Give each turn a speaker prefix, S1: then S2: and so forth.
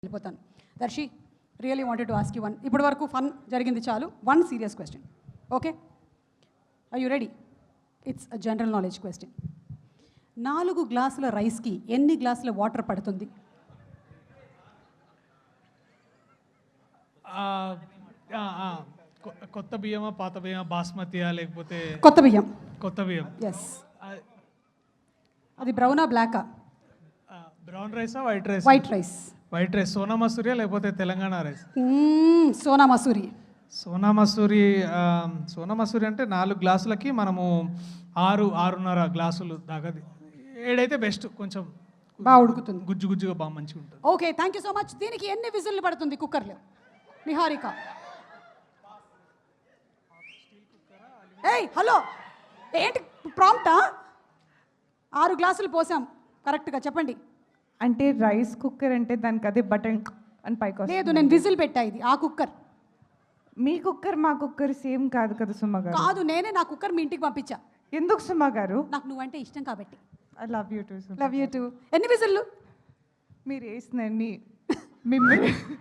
S1: వెళ్ళిపోతాను. Darshi really wanted to ask you one. ఇప్పటి వరకు ఫన్ జరిగింది చాలు. One serious question. Okay, are you ready? It's a general knowledge question. 4 గ్లాసుల రైస్కి ఎన్ని గ్లాసుల వాటర్ పడుతుంది?
S2: కొత్త బియ్యమా పాత బియ్యమా బాస్మతియా లేకపోతే
S1: కొత్త బియ్యం.
S2: కొత్త బియ్యం.
S1: ఎస్. అది బ్రౌనా బ్లాకా?
S2: బ్రౌన్ రైసా white rice?
S1: White rice.
S2: White rice. Sona మసూరియా లేకపోతే తెలంగాణ రైస్?
S1: సోనా మసూరి.
S2: సోనా మసూరి. సోనా మసూరి అంటే 4 గ్లాసులకి మనము 6.5 గ్లాసులు దాకా. 7 అయితే బెస్ట్, కొంచెం
S1: బాగా ఉడుకుతుంది,
S2: గుజ్జు గుజ్జుగా బాగా మంచిగా ఉంటుంది.
S1: Okay, thank you so much. దీనికి ఎన్ని విజిల్లు పడుతుంది కుక్కర్లో? నిహారిక. ఏయ్ హలో, ఏంటి ప్రాంప్టా? 6 గ్లాసులు పోసాం కరెక్ట్గా చెప్పండి.
S3: అంటే రైస్ కుక్కర్ అంటే దానికి అదే బటన్ అని పైకి
S1: లేదు, నేను విజిల్ పెట్టా. ఇది ఆ కుక్కర్.
S3: మీ కుక్కర్ మా కుక్కర్ సేమ్ కాదు కదా సుమ గారు?
S1: కాదు, నేనే నా కుక్కర్ మీ ఇంటికి పంపించా.
S3: ఎందుకు సుమ గారు?
S1: నాకు నువ్వంటే ఇష్టం కాబట్టి.
S3: I love you too.
S1: Love you too. ఎన్ని విజిల్లు?
S3: మీరు వేసినండి మిమ్మల్ని